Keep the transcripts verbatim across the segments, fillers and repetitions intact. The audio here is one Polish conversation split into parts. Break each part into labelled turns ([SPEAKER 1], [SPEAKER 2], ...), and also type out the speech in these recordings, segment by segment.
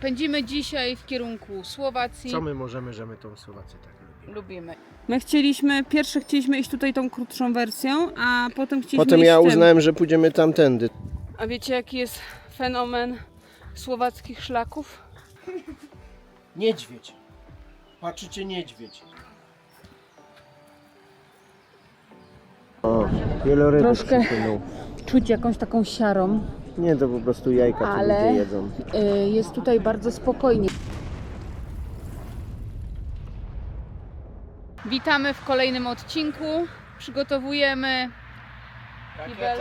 [SPEAKER 1] Pędzimy dzisiaj w kierunku Słowacji.
[SPEAKER 2] Co my możemy, że my tą Słowację tak lubimy?
[SPEAKER 1] Lubimy. My chcieliśmy, pierwsze chcieliśmy iść tutaj tą krótszą wersją, a potem chcieliśmy
[SPEAKER 2] Potem
[SPEAKER 1] iść
[SPEAKER 2] ja
[SPEAKER 1] tym.
[SPEAKER 2] uznałem, że pójdziemy tamtędy.
[SPEAKER 1] A wiecie jaki jest fenomen słowackich szlaków?
[SPEAKER 2] Niedźwiedź. Patrzycie, niedźwiedź. O, wieloryby
[SPEAKER 1] Troszkę.
[SPEAKER 2] przypłynął.
[SPEAKER 1] Czuć jakąś taką siarą,
[SPEAKER 2] Nie, to po prostu jajka,
[SPEAKER 1] ale
[SPEAKER 2] co ludzie jedzą.
[SPEAKER 1] y, jest tutaj bardzo spokojnie. Witamy w kolejnym odcinku. Przygotowujemy kibel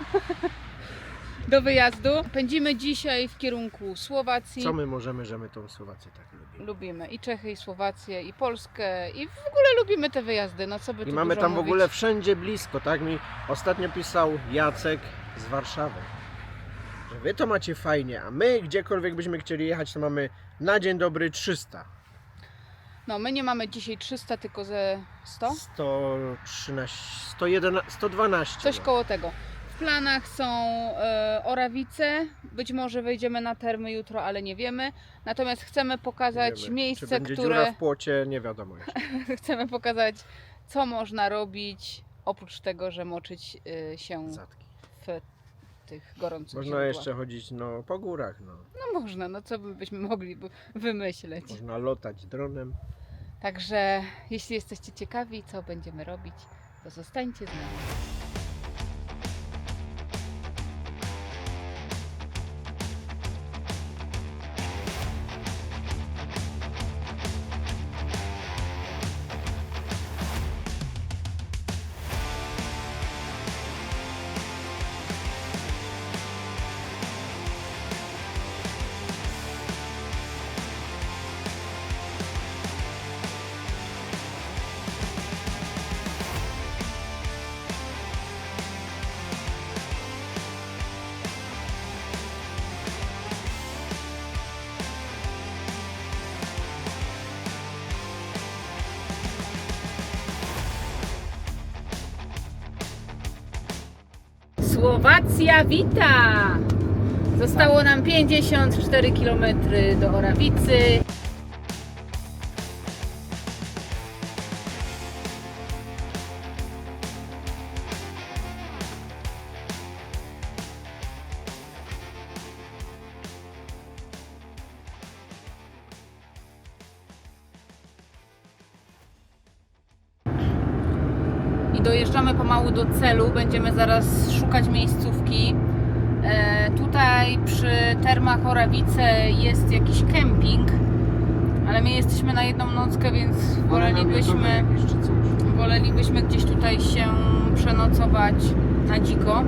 [SPEAKER 1] do wyjazdu. Pędzimy dzisiaj w kierunku Słowacji.
[SPEAKER 2] Co my możemy, że my tą Słowację tak lubimy?
[SPEAKER 1] Lubimy i Czechy, i Słowację, i Polskę, i w ogóle lubimy te wyjazdy. No co by
[SPEAKER 2] I
[SPEAKER 1] tu
[SPEAKER 2] mamy
[SPEAKER 1] dużo
[SPEAKER 2] tam w
[SPEAKER 1] mówić.
[SPEAKER 2] ogóle wszędzie blisko, tak mi ostatnio pisał Jacek z Warszawy. Że wy to macie fajnie, a my gdziekolwiek byśmy chcieli jechać, to mamy na dzień dobry trzysta.
[SPEAKER 1] No my nie mamy dzisiaj trzysta, tylko ze sto?
[SPEAKER 2] sto trzynaście, sto jedenaście, sto dwanaście.
[SPEAKER 1] Coś
[SPEAKER 2] no.
[SPEAKER 1] koło tego. W planach są e, Orawice, być może wejdziemy na termy jutro, ale nie wiemy. Natomiast chcemy pokazać
[SPEAKER 2] Nie wiemy.
[SPEAKER 1] miejsce,
[SPEAKER 2] Czy będzie
[SPEAKER 1] które...
[SPEAKER 2] dziura w płocie, nie wiadomo jeszcze.
[SPEAKER 1] chcemy pokazać, co można robić, oprócz tego, że moczyć y, się
[SPEAKER 2] Zatki.
[SPEAKER 1] w tych gorących
[SPEAKER 2] Można
[SPEAKER 1] źródłach.
[SPEAKER 2] jeszcze chodzić no, po górach, no.
[SPEAKER 1] No można, no co by byśmy mogli by wymyśleć.
[SPEAKER 2] Można lotać dronem.
[SPEAKER 1] Także jeśli jesteście ciekawi, co będziemy robić, to zostańcie z nami. Słowacja wita! Zostało nam pięćdziesiąt cztery kilometry do Orawicy. I dojeżdżamy pomału do celu, będziemy zaraz szukać miejscówki. E, tutaj przy termach Orawice jest jakiś kemping, ale my jesteśmy na jedną nockę, więc wolelibyśmy, wolelibyśmy gdzieś tutaj się przenocować na dziko.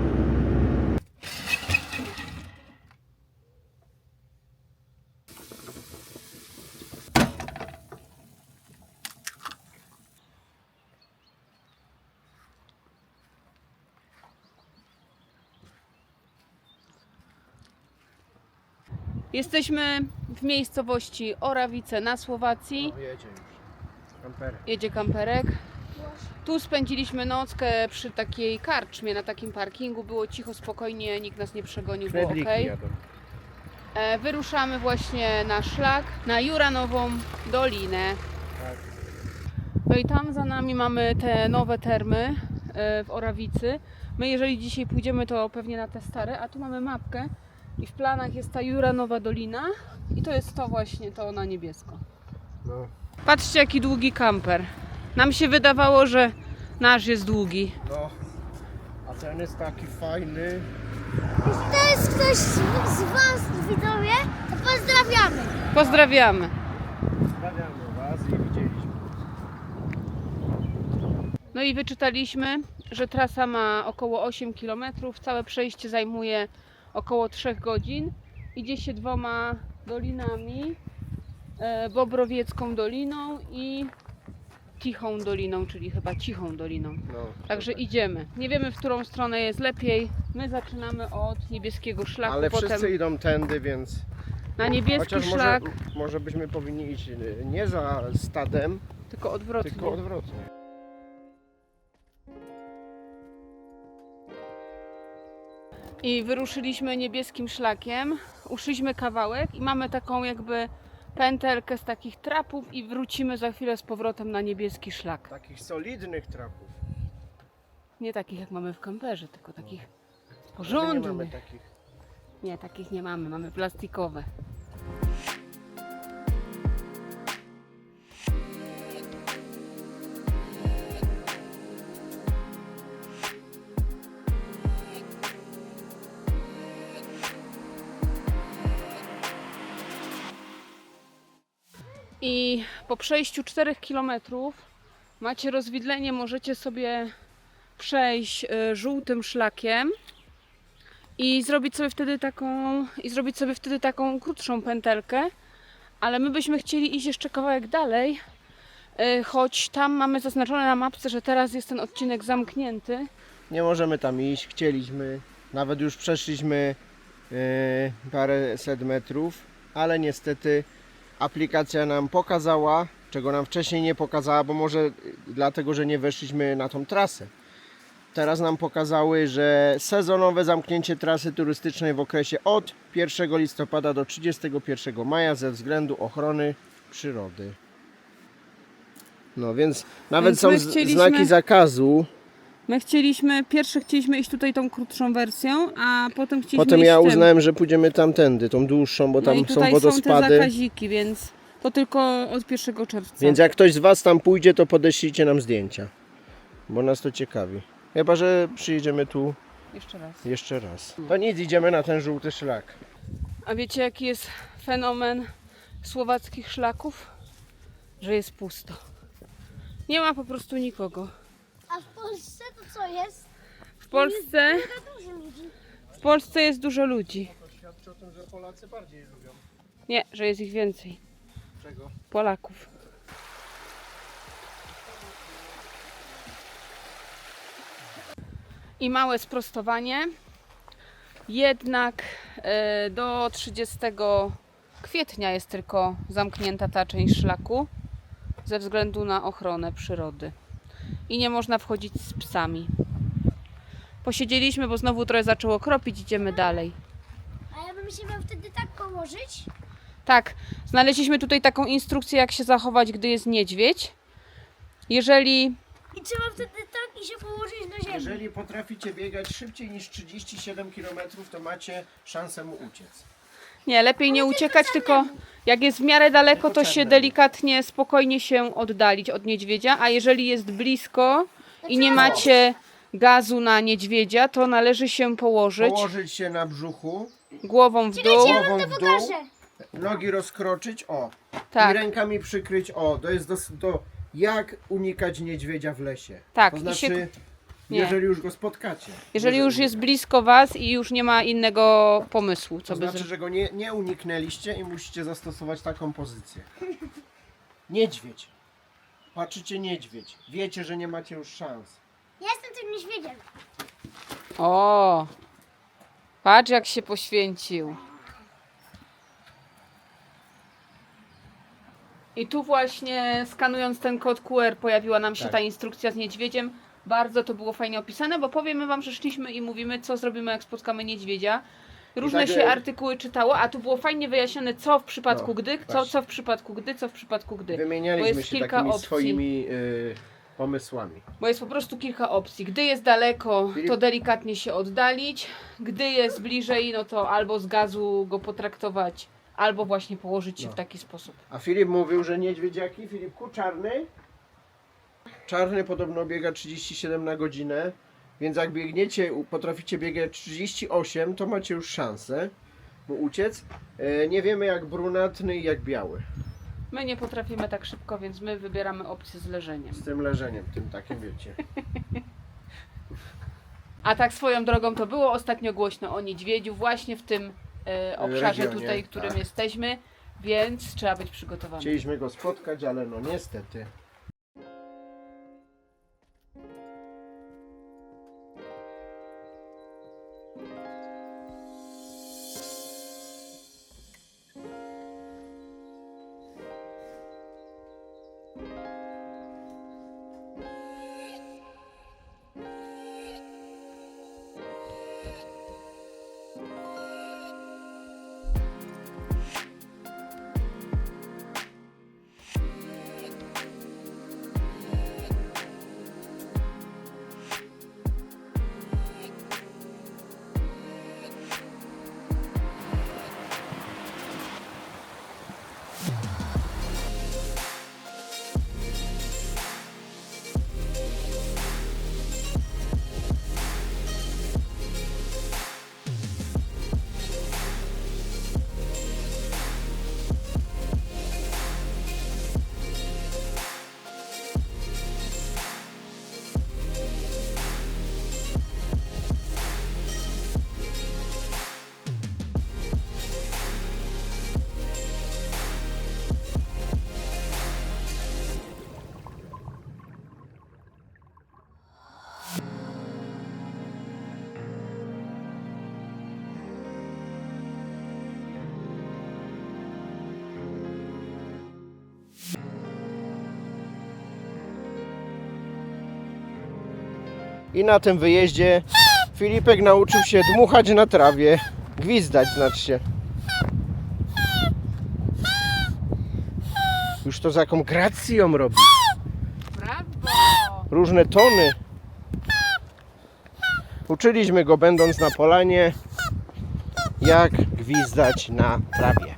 [SPEAKER 1] Jesteśmy w miejscowości Orawice na Słowacji.
[SPEAKER 2] O, jedzie już. Kamperem.
[SPEAKER 1] Jedzie kamperek. Tu spędziliśmy nockę przy takiej karczmie, na takim parkingu. Było cicho, spokojnie, nikt nas nie przegonił, było
[SPEAKER 2] Knedliki
[SPEAKER 1] ok.
[SPEAKER 2] jadą.
[SPEAKER 1] E, wyruszamy właśnie na szlak, na Juranową Dolinę.
[SPEAKER 2] Tak.
[SPEAKER 1] No i tam za nami mamy te nowe termy e, w Orawicy. My jeżeli dzisiaj pójdziemy, to pewnie na te stare, a tu mamy mapkę i w planach jest ta Juranowa Dolina i to jest to właśnie, to na niebiesko.
[SPEAKER 2] No.
[SPEAKER 1] Patrzcie jaki długi kamper. Nam się wydawało, że nasz jest długi.
[SPEAKER 2] No. A ten jest taki fajny.
[SPEAKER 3] Jeśli to jest ktoś z, z Was, widzowie, to pozdrawiamy.
[SPEAKER 1] Pozdrawiamy.
[SPEAKER 2] Pozdrawiamy was i widzieliśmy.
[SPEAKER 1] No i wyczytaliśmy, że trasa ma około osiem kilometrów. Całe przejście zajmuje około trzy godzin. Idzie się dwoma dolinami. E, Bobrowiecką Doliną i Tichą Doliną, czyli chyba Cichą Doliną.
[SPEAKER 2] No,
[SPEAKER 1] Także idziemy. Nie wiemy, w którą stronę jest lepiej. My zaczynamy od niebieskiego szlaku,
[SPEAKER 2] ale
[SPEAKER 1] potem
[SPEAKER 2] wszyscy idą tędy, więc
[SPEAKER 1] na niebieski
[SPEAKER 2] chociaż może,
[SPEAKER 1] szlak,
[SPEAKER 2] może byśmy powinni iść nie za stadem,
[SPEAKER 1] tylko odwrotnie.
[SPEAKER 2] tylko odwrotnie.
[SPEAKER 1] I wyruszyliśmy niebieskim szlakiem. tak, uszliśmy kawałek i mamy taką jakby pętelkę z takich trapów i wrócimy za chwilę z powrotem na niebieski szlak.
[SPEAKER 2] Takich solidnych trapów.
[SPEAKER 1] Nie takich jak mamy w kamperze, tylko takich
[SPEAKER 2] My nie mamy
[SPEAKER 1] porządnych.
[SPEAKER 2] takich.
[SPEAKER 1] Nie, takich nie mamy, mamy plastikowe. I po przejściu czterech kilometrów macie rozwidlenie, możecie sobie przejść y, żółtym szlakiem i zrobić sobie wtedy taką i zrobić sobie wtedy taką krótszą pętelkę, ale my byśmy chcieli iść jeszcze kawałek dalej, y, choć tam mamy zaznaczone na mapce, że teraz jest ten odcinek zamknięty.
[SPEAKER 2] Nie możemy tam iść, chcieliśmy. Nawet już przeszliśmy yy, paręset metrów, ale niestety aplikacja nam pokazała, czego nam wcześniej nie pokazała, bo może dlatego, że nie weszliśmy na tą trasę. Teraz nam pokazały, że sezonowe zamknięcie trasy turystycznej w okresie od pierwszego listopada do trzydziestego pierwszego maja ze względu ochrony przyrody. No więc nawet
[SPEAKER 1] Więc
[SPEAKER 2] są
[SPEAKER 1] my
[SPEAKER 2] z-
[SPEAKER 1] chcieliśmy-
[SPEAKER 2] znaki zakazu.
[SPEAKER 1] My chcieliśmy, pierwsze chcieliśmy iść tutaj tą krótszą wersją, a potem chcieliśmy
[SPEAKER 2] Potem
[SPEAKER 1] iść
[SPEAKER 2] ja
[SPEAKER 1] tym.
[SPEAKER 2] uznałem, że pójdziemy tamtędy, tą dłuższą, bo
[SPEAKER 1] No
[SPEAKER 2] tam
[SPEAKER 1] i
[SPEAKER 2] są
[SPEAKER 1] tutaj są te
[SPEAKER 2] wodospady.
[SPEAKER 1] zakaziki, więc to tylko od pierwszego czerwca.
[SPEAKER 2] Więc jak ktoś z Was tam pójdzie, to podeślijcie nam zdjęcia, bo nas to ciekawi. Chyba że przyjedziemy tu
[SPEAKER 1] Jeszcze raz.
[SPEAKER 2] jeszcze raz. To nic, idziemy na ten żółty szlak.
[SPEAKER 1] A wiecie jaki jest fenomen słowackich szlaków? Że jest pusto. Nie ma po prostu nikogo.
[SPEAKER 3] A w Polsce to co jest?
[SPEAKER 1] W Polsce,
[SPEAKER 3] Mega dużo ludzi.
[SPEAKER 1] w Polsce jest dużo ludzi.
[SPEAKER 2] To świadczy o tym, że Polacy bardziej lubią.
[SPEAKER 1] Nie, że jest ich więcej.
[SPEAKER 2] Czego?
[SPEAKER 1] Polaków. I małe sprostowanie. Jednak e, do trzydziestego kwietnia jest tylko zamknięta ta część szlaku ze względu na ochronę przyrody. I nie można wchodzić z psami. Posiedzieliśmy, bo znowu trochę zaczęło kropić, idziemy dalej.
[SPEAKER 3] A ja bym się miał wtedy tak położyć.
[SPEAKER 1] Tak, znaleźliśmy tutaj taką instrukcję, jak się zachować, gdy jest niedźwiedź. Jeżeli
[SPEAKER 3] I trzeba wtedy tak i się położyć na ziemi.
[SPEAKER 2] Jeżeli potraficie biegać szybciej niż trzydzieści siedem kilometrów, to macie szansę mu uciec.
[SPEAKER 1] nie, lepiej nie uciekać, tylko jak jest w miarę daleko,
[SPEAKER 2] Tylko
[SPEAKER 1] to się
[SPEAKER 2] czarnemu.
[SPEAKER 1] delikatnie, spokojnie się oddalić od niedźwiedzia, a jeżeli jest blisko i nie macie gazu na niedźwiedzia, to należy się położyć
[SPEAKER 2] Położyć się na brzuchu,
[SPEAKER 1] głową w dół.
[SPEAKER 2] głową w dół,
[SPEAKER 3] Pokażę.
[SPEAKER 2] nogi rozkroczyć, o. I
[SPEAKER 1] Tak,
[SPEAKER 2] rękami przykryć, o. To jest do, do jak unikać niedźwiedzia w lesie.
[SPEAKER 1] Tak,
[SPEAKER 2] To
[SPEAKER 1] i
[SPEAKER 2] znaczy,
[SPEAKER 1] się- nie.
[SPEAKER 2] jeżeli już go spotkacie.
[SPEAKER 1] jeżeli już jest blisko was i już nie ma innego pomysłu,
[SPEAKER 2] To
[SPEAKER 1] co by
[SPEAKER 2] znaczy,
[SPEAKER 1] zrobić.
[SPEAKER 2] że go nie, nie uniknęliście i musicie zastosować taką pozycję. Niedźwiedź. Patrzycie niedźwiedź. Wiecie, że nie macie już szans.
[SPEAKER 3] Ja jestem tym niedźwiedziem.
[SPEAKER 1] O, patrz jak się poświęcił. I tu właśnie skanując ten kod Q R pojawiła nam się
[SPEAKER 2] Tak.
[SPEAKER 1] ta instrukcja z niedźwiedziem. Bardzo to było fajnie opisane, bo powiemy wam, że szliśmy i mówimy, co zrobimy, jak spotkamy niedźwiedzia. Różne
[SPEAKER 2] tak,
[SPEAKER 1] się
[SPEAKER 2] e,
[SPEAKER 1] artykuły czytało, a tu było fajnie wyjaśnione, co w przypadku
[SPEAKER 2] No,
[SPEAKER 1] gdy, co,
[SPEAKER 2] właśnie.
[SPEAKER 1] co w przypadku gdy, co w przypadku gdy. Bo
[SPEAKER 2] Wymienialiśmy
[SPEAKER 1] jest
[SPEAKER 2] się
[SPEAKER 1] kilka
[SPEAKER 2] takimi
[SPEAKER 1] opcji.
[SPEAKER 2] swoimi y, pomysłami.
[SPEAKER 1] Bo jest po prostu kilka opcji. Gdy jest daleko,
[SPEAKER 2] Filip?
[SPEAKER 1] to delikatnie się oddalić. Gdy jest bliżej, no to albo z gazu go potraktować, albo właśnie położyć się
[SPEAKER 2] No.
[SPEAKER 1] w taki sposób.
[SPEAKER 2] A Filip mówił, że niedźwiedziaki, Filipku, czarny? Czarny podobno biega trzydzieści siedem na godzinę, więc jak biegniecie, u- potraficie biegać trzydzieści osiem, to macie już szansę mu uciec. E, nie wiemy jak brunatny i jak biały.
[SPEAKER 1] My nie potrafimy tak szybko, więc my wybieramy opcję z leżeniem.
[SPEAKER 2] Z tym leżeniem, tym takim wiecie.
[SPEAKER 1] A tak swoją drogą to było ostatnio głośno o niedźwiedziu właśnie w tym e, obszarze
[SPEAKER 2] Regionie,
[SPEAKER 1] tutaj, w którym
[SPEAKER 2] tak.
[SPEAKER 1] jesteśmy, więc trzeba być przygotowanym.
[SPEAKER 2] Chcieliśmy go spotkać, ale no niestety. I na tym wyjeździe Filipek nauczył się dmuchać na trawie. Gwizdać znaczy się. Już to z jaką gracją robi.
[SPEAKER 1] Brawo!
[SPEAKER 2] Różne tony. Uczyliśmy go, będąc na polanie, jak gwizdać na trawie.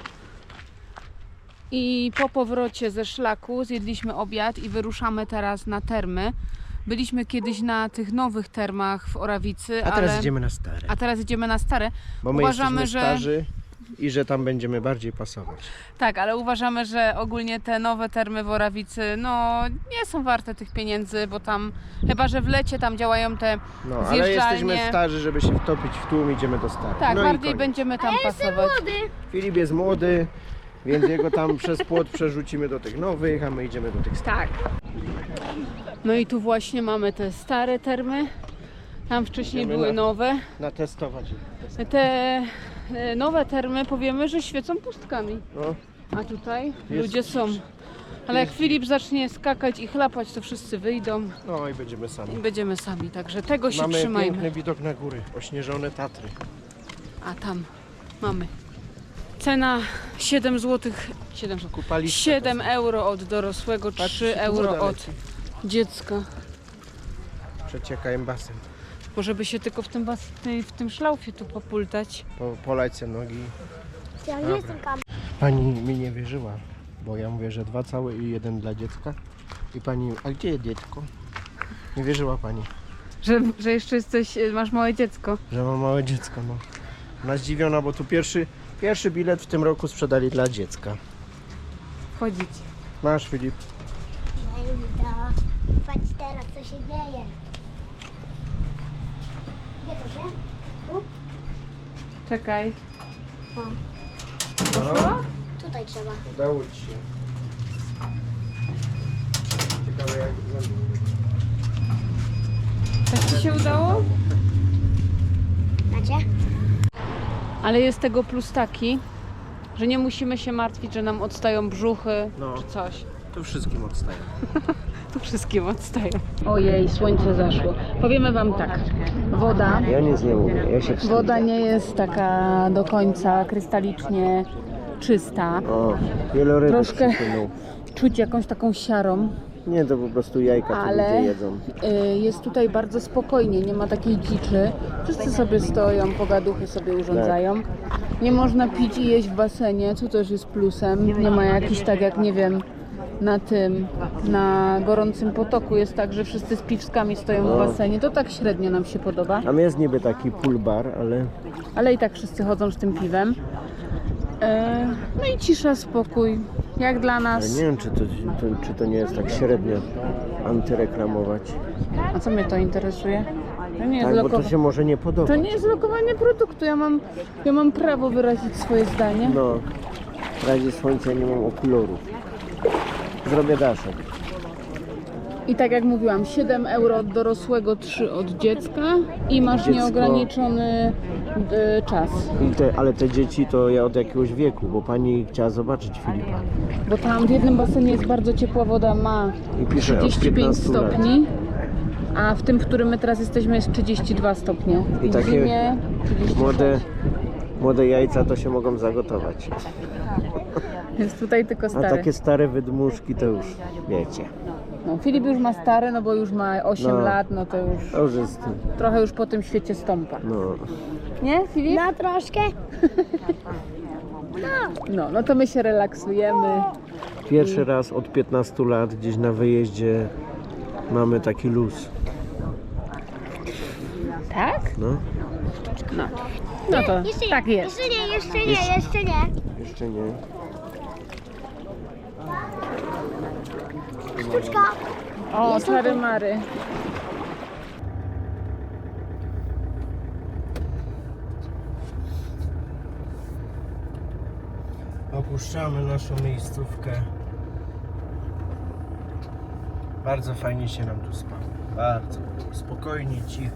[SPEAKER 1] I po powrocie ze szlaku zjedliśmy obiad i wyruszamy teraz na termy. Byliśmy kiedyś na tych nowych termach w Orawicy,
[SPEAKER 2] A teraz
[SPEAKER 1] ale...
[SPEAKER 2] idziemy na stare.
[SPEAKER 1] a teraz idziemy na stare.
[SPEAKER 2] Bo my
[SPEAKER 1] Uważamy,
[SPEAKER 2] jesteśmy
[SPEAKER 1] że-
[SPEAKER 2] starzy i że tam będziemy bardziej pasować.
[SPEAKER 1] Tak, ale uważamy, że ogólnie te nowe termy w Orawicy no nie są warte tych pieniędzy, bo tam chyba, że w lecie tam działają te
[SPEAKER 2] No, ale
[SPEAKER 1] zjeżdżalnie.
[SPEAKER 2] jesteśmy starzy, żeby się wtopić w tłum, idziemy do starych.
[SPEAKER 1] Tak,
[SPEAKER 2] no i
[SPEAKER 1] bardziej
[SPEAKER 2] koniec.
[SPEAKER 1] będziemy tam pasować.
[SPEAKER 3] Młody.
[SPEAKER 2] Filip jest młody, więc jego tam przez płot przerzucimy do tych nowych, a my idziemy do tych starych.
[SPEAKER 1] Tak. No i tu właśnie mamy te stare termy. Tam wcześniej
[SPEAKER 2] Idziemy
[SPEAKER 1] były
[SPEAKER 2] na-
[SPEAKER 1] nowe.
[SPEAKER 2] Natestować.
[SPEAKER 1] Te e, nowe termy powiemy, że świecą pustkami.
[SPEAKER 2] No,
[SPEAKER 1] A tutaj
[SPEAKER 2] Jest-
[SPEAKER 1] ludzie są. Ale jak Filip zacznie skakać i chlapać, to wszyscy wyjdą
[SPEAKER 2] no i będziemy sami.
[SPEAKER 1] i będziemy sami. Także tego się
[SPEAKER 2] Mamy
[SPEAKER 1] trzymajmy.
[SPEAKER 2] piękny widok na góry, ośnieżone Tatry.
[SPEAKER 1] A tam mamy. Cena siedem złotych. siedem złotych.
[SPEAKER 2] Kupaliście.
[SPEAKER 1] siedem euro od dorosłego,
[SPEAKER 2] Patrzcie,
[SPEAKER 1] trzy
[SPEAKER 2] tu
[SPEAKER 1] euro
[SPEAKER 2] woda
[SPEAKER 1] od
[SPEAKER 2] leci.
[SPEAKER 1] dziecka.
[SPEAKER 2] Przecieka im basen.
[SPEAKER 1] Bo żeby się tylko w tym, bas- w tej- w tym szlaufie tu popultać.
[SPEAKER 2] Po, polać se nogi.
[SPEAKER 3] Ja nie
[SPEAKER 2] Dobra.
[SPEAKER 3] jestem kam.
[SPEAKER 2] Pani mi nie wierzyła, bo ja mówię, że dwa całe i jeden dla dziecka. I pani, a gdzie jest dziecko? Nie wierzyła pani,
[SPEAKER 1] Że, że jeszcze jesteś, masz małe dziecko.
[SPEAKER 2] że mam małe dziecko. No. Ona zdziwiona, bo tu pierwszy, pierwszy bilet w tym roku sprzedali dla dziecka.
[SPEAKER 1] Wchodzić.
[SPEAKER 2] Masz, Filip.
[SPEAKER 3] Patrz teraz, co się dzieje. Gdzie to się? Tu?
[SPEAKER 1] Czekaj.
[SPEAKER 2] No,
[SPEAKER 3] Tutaj trzeba.
[SPEAKER 2] udało ci się. Ciekawe jak wygląda.
[SPEAKER 1] Tak ci się udało?
[SPEAKER 3] Macie?
[SPEAKER 1] Ale jest tego plus taki, że nie musimy się martwić, że nam odstają brzuchy
[SPEAKER 2] No.
[SPEAKER 1] czy coś.
[SPEAKER 2] Tu wszystkim odstaje.
[SPEAKER 1] Tu wszystkim odstają. Ojej, słońce zaszło. Powiemy wam tak. Woda,
[SPEAKER 2] Ja nic nie mówię, ja się wstydzę.
[SPEAKER 1] woda nie jest taka do końca krystalicznie czysta.
[SPEAKER 2] O, wielorybek
[SPEAKER 1] Troszkę-
[SPEAKER 2] przypłynął.
[SPEAKER 1] Czuć jakąś taką siarą,
[SPEAKER 2] Nie, to po prostu jajka tu
[SPEAKER 1] ale
[SPEAKER 2] ludzie jedzą.
[SPEAKER 1] y, jest tutaj bardzo spokojnie, nie ma takiej dziczy. Wszyscy sobie stoją, pogaduchy sobie urządzają. Nie można pić i jeść w basenie, co też jest plusem. Nie ma jakichś tak jak, nie wiem, na tym, na gorącym potoku jest tak, że wszyscy z piwskami stoją w basenie. To tak średnio nam się podoba,
[SPEAKER 2] Tam jest niby taki pool bar, ale
[SPEAKER 1] ale i tak wszyscy chodzą z tym piwem. E, no i cisza, spokój, jak dla
[SPEAKER 2] ale
[SPEAKER 1] nas.
[SPEAKER 2] nie wiem, czy to, to, czy to nie jest tak średnio antyreklamować.
[SPEAKER 1] A co mnie to interesuje? To nie jest
[SPEAKER 2] Tak, bo to
[SPEAKER 1] lokowa-
[SPEAKER 2] się może nie podobać.
[SPEAKER 1] To nie jest lokowanie produktu, ja mam, ja mam prawo wyrazić swoje zdanie.
[SPEAKER 2] No, w razie słońca nie mam okularów. Zrobię daszek.
[SPEAKER 1] I tak jak mówiłam, siedem euro od dorosłego, trzy od dziecka i masz
[SPEAKER 2] Dziecko-
[SPEAKER 1] nieograniczony y, czas.
[SPEAKER 2] I te, ale te dzieci to ja od jakiegoś wieku, bo pani chciała zobaczyć Filipa.
[SPEAKER 1] Bo tam w jednym basenie jest bardzo ciepła woda, ma
[SPEAKER 2] I pisze od
[SPEAKER 1] trzydzieści pięć
[SPEAKER 2] piętnastu lat.
[SPEAKER 1] stopni, a w tym, w którym my teraz jesteśmy, jest trzydzieści dwa stopnie.
[SPEAKER 2] I
[SPEAKER 1] w
[SPEAKER 2] takie
[SPEAKER 1] zimie trzydzieści sześć.
[SPEAKER 2] Młode, młode jajca to się mogą zagotować.
[SPEAKER 1] Jest tutaj tylko
[SPEAKER 2] A
[SPEAKER 1] stary.
[SPEAKER 2] takie stare wydmuszki to już wiecie.
[SPEAKER 1] No, Filip już ma stare, no bo już ma osiem
[SPEAKER 2] No.
[SPEAKER 1] lat, no to już
[SPEAKER 2] To już jest,
[SPEAKER 1] trochę już po tym świecie stąpa.
[SPEAKER 2] no.
[SPEAKER 1] Nie, Filip?
[SPEAKER 3] No troszkę.
[SPEAKER 1] No, no to my się relaksujemy.
[SPEAKER 2] Pierwszy raz od piętnastu lat gdzieś na wyjeździe mamy taki luz.
[SPEAKER 1] Tak?
[SPEAKER 2] No,
[SPEAKER 1] No. No to
[SPEAKER 3] Jeszcze nie,
[SPEAKER 1] tak jest.
[SPEAKER 3] Jeszcze nie, jeszcze nie, jeszcze nie.
[SPEAKER 2] jeszcze nie.
[SPEAKER 3] Sztuczka.
[SPEAKER 1] O, czary mary.
[SPEAKER 2] Opuszczamy naszą miejscówkę. Bardzo fajnie się nam tu spało. Bardzo spokojnie, cicho.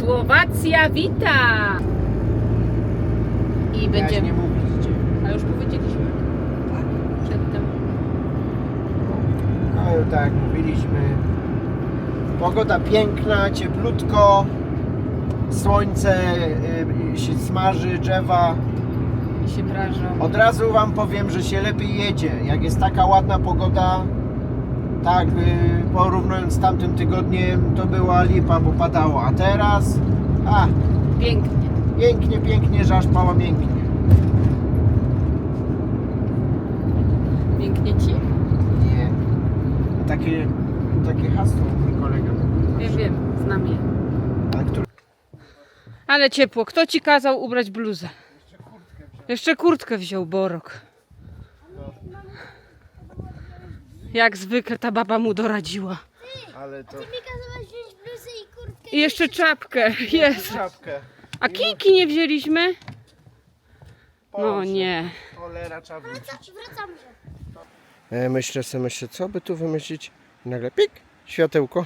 [SPEAKER 1] Słowacja wita! I
[SPEAKER 2] Ja
[SPEAKER 1] będziemy...
[SPEAKER 2] nie mówić gdzie.
[SPEAKER 1] A już powiedzieliśmy. Przedtem.
[SPEAKER 2] No i tak jak mówiliśmy. Pogoda piękna, cieplutko. Słońce y, się smaży, drzewa.
[SPEAKER 1] I się prażą.
[SPEAKER 2] Od razu wam powiem, że się lepiej jedzie. Jak jest taka ładna pogoda, tak y, porównując z tamtym tygodniem, to była lipa, bo padało. A teraz, a,
[SPEAKER 1] Pięknie.
[SPEAKER 2] pięknie, pięknie, że aż pała mięknie.
[SPEAKER 1] Pięknie ci?
[SPEAKER 2] Nie. Takie, takie hasło mój kolega.
[SPEAKER 1] Wiem, wiem. Znam je.
[SPEAKER 2] A który...
[SPEAKER 1] Ale ciepło. Kto ci kazał ubrać bluzę? Jeszcze kurtkę wziął Borok. Jak zwykle ta baba mu doradziła.
[SPEAKER 2] Ale to...
[SPEAKER 3] Mi kazałaś wziąć bluzę i kurtkę.
[SPEAKER 1] I jeszcze czapkę. Jest.
[SPEAKER 2] Czapkę.
[SPEAKER 1] A kijki nie wzięliśmy? No
[SPEAKER 2] Boże,
[SPEAKER 1] nie.
[SPEAKER 2] Cholera, trzeba wrócić.
[SPEAKER 3] Wraca, wracam się.
[SPEAKER 2] E, myślę sobie, myślę, co by tu wymyślić. I nagle pik, światełko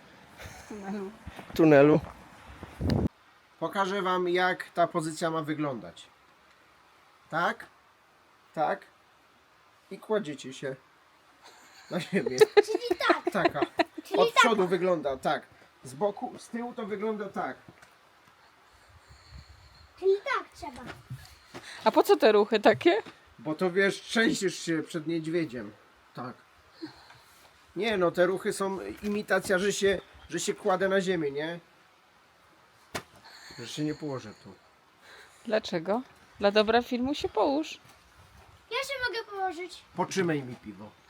[SPEAKER 2] w tunelu. Pokażę wam, jak ta pozycja ma wyglądać. Tak, tak i kładziecie się na ziemię.
[SPEAKER 3] Czyli tak.
[SPEAKER 2] Taka.
[SPEAKER 3] Czyli
[SPEAKER 2] Od
[SPEAKER 3] tak.
[SPEAKER 2] przodu wygląda tak. Z boku, z tyłu to wygląda tak.
[SPEAKER 3] Czyli tak trzeba.
[SPEAKER 1] A po co te ruchy takie?
[SPEAKER 2] Bo to wiesz, trzęsiesz się przed niedźwiedziem. Tak. Nie no, te ruchy są imitacja, że się, że się kładę na ziemię, nie? Że się nie położę tu.
[SPEAKER 1] Dlaczego? Dla dobra filmu się połóż.
[SPEAKER 3] Ja się mogę położyć.
[SPEAKER 2] Potrzymaj mi piwo.